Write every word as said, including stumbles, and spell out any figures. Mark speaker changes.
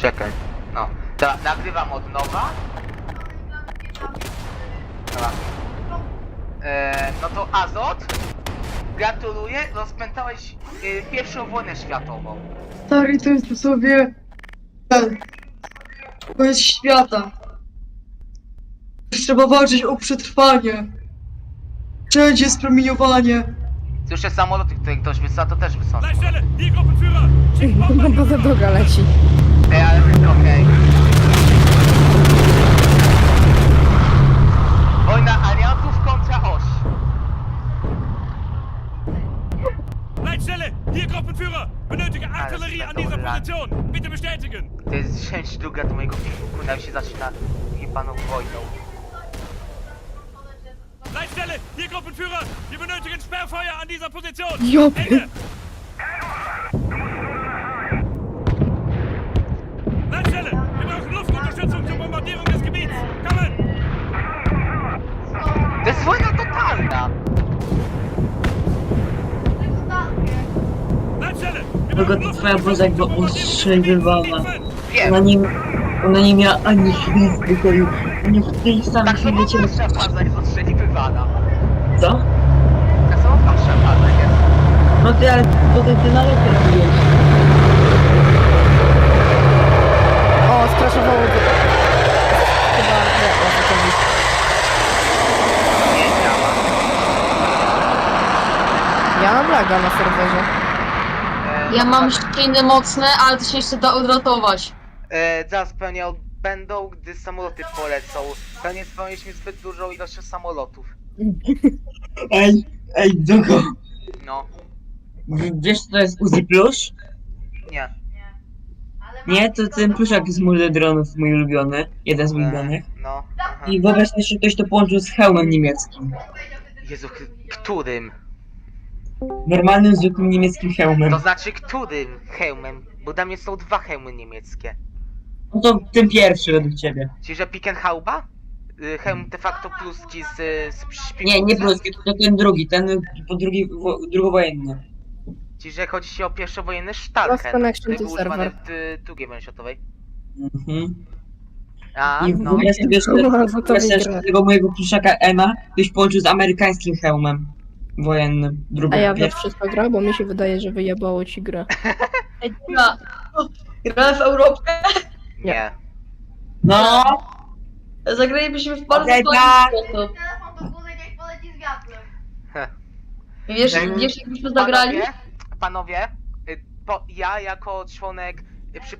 Speaker 1: Czekaj. No. Dobra, nagrywam od nowa. Dobra. Eee, no to Azot. Gratuluję, rozpętałeś e, pierwszą wojnę światową.
Speaker 2: Stary, to jest sobie... ten... koniec świata. Trzeba walczyć o przetrwanie. Wszędzie jest promieniowanie.
Speaker 1: Słyszę samoloty, które ktoś wysłał, to też wysłał.
Speaker 3: Leitstelle, hier Gruppenführer! Schickt
Speaker 4: No
Speaker 3: Bomber!
Speaker 4: bo za droga leci.
Speaker 1: Ej, ale okej. Wojna aliantów kontra oś.
Speaker 3: Leitstelle, hier Gruppenführer! Benötige Artillerie an dieser Position! Bitte bestätigen!
Speaker 1: To jest część druga do mojego filmu, jak się zaczyna jebaną wojną.
Speaker 3: Leitstelle, hier Gruppenführer! Wir benötigen Sperrfeuer an dieser Position!
Speaker 4: Jupp.
Speaker 3: Ende! Leitstelle, wir brauchen Luftunterstützung zur Bombardierung des Gebiets! Kommen!
Speaker 1: To jest wojna totalna!
Speaker 3: Leitstelle, wir
Speaker 2: Tylko
Speaker 3: brauchen
Speaker 2: to twoja
Speaker 3: Luftunterstützung
Speaker 2: boza jakby
Speaker 3: zur Bombardierung des
Speaker 2: ostrzeliwała.
Speaker 3: Gebiets!
Speaker 1: Wiem!
Speaker 2: Ona nie... ona nie miała ani chwili spokoju. Nie w tej samej
Speaker 1: Tak
Speaker 2: chwili
Speaker 1: samo
Speaker 2: cię...
Speaker 1: wasza baza jest ostrzeliwywana.
Speaker 2: Co?
Speaker 1: Tak samo wasza baza jest.
Speaker 2: No ty, ale potem ty na lepiej robiłeś.
Speaker 4: O, skraszowało go. Chyba nie, o co chodzi.
Speaker 1: Nie działa.
Speaker 4: Ja mam laga na serwerze.
Speaker 1: E,
Speaker 2: Ja mam ściny mocne, ale to się jeszcze da odratować.
Speaker 1: E, zaraz pewnie odbędą, gdy samoloty polecą. Pewnie spełniliśmy zbyt dużą ilość samolotów.
Speaker 2: Ej, ej, Dugo.
Speaker 1: No,
Speaker 2: Wiesz co to jest Uzi Plus?
Speaker 1: nie.
Speaker 2: Nie, to ten pluszak z multi dronów, mój ulubiony. Jeden z
Speaker 1: E,
Speaker 2: ulubionych.
Speaker 1: no, aha.
Speaker 2: I wyobraź sobie, że ktoś to połączył z hełmem niemieckim.
Speaker 1: Jezu, k- którym?
Speaker 2: Normalnym, zwykłym niemieckim hełmem.
Speaker 1: To znaczy którym hełmem? Bo dla mnie są dwa hełmy niemieckie.
Speaker 2: No to ten pierwszy według ciebie.
Speaker 1: Czyli, że Pickenhauba? Y, Hełm de facto pruski z, z szpiku.
Speaker 2: Nie, nie polski, to ten drugi, ten po drugi, wo- drugowojenny.
Speaker 1: Czyli, że chodzi się o pierwszowojenny
Speaker 4: Lost
Speaker 1: Stalken,
Speaker 4: connection
Speaker 1: który
Speaker 4: to
Speaker 1: był używany
Speaker 4: server.
Speaker 1: w y, drugiej wojnie światowej.
Speaker 2: Mhm.
Speaker 1: A,
Speaker 2: I
Speaker 1: no.
Speaker 2: wyobraź sobie, że
Speaker 4: Kurwa, za to
Speaker 2: wyobraź sobie, że
Speaker 4: wygrę.
Speaker 2: tego mojego pluszaka Ema ktoś połączył z amerykańskim hełmem wojennym. Drugi,
Speaker 4: A ja wiesz wszystko gra, bo mi się wydaje, że wyjebało ci grę.
Speaker 2: Ej, gra. Grałem w Europę?
Speaker 1: Nie.
Speaker 2: No!
Speaker 5: Zagralibyśmy w bardzo
Speaker 2: Okej,
Speaker 5: okay,
Speaker 2: tak.
Speaker 5: sposób.
Speaker 6: Telefon do góry, niech poleci z wiatrem.
Speaker 1: Heh.
Speaker 5: Wiesz,
Speaker 1: Ej,
Speaker 5: wiesz jakbyśmy zagrali?
Speaker 1: Panowie, panowie y, po, ja jako członek y, przy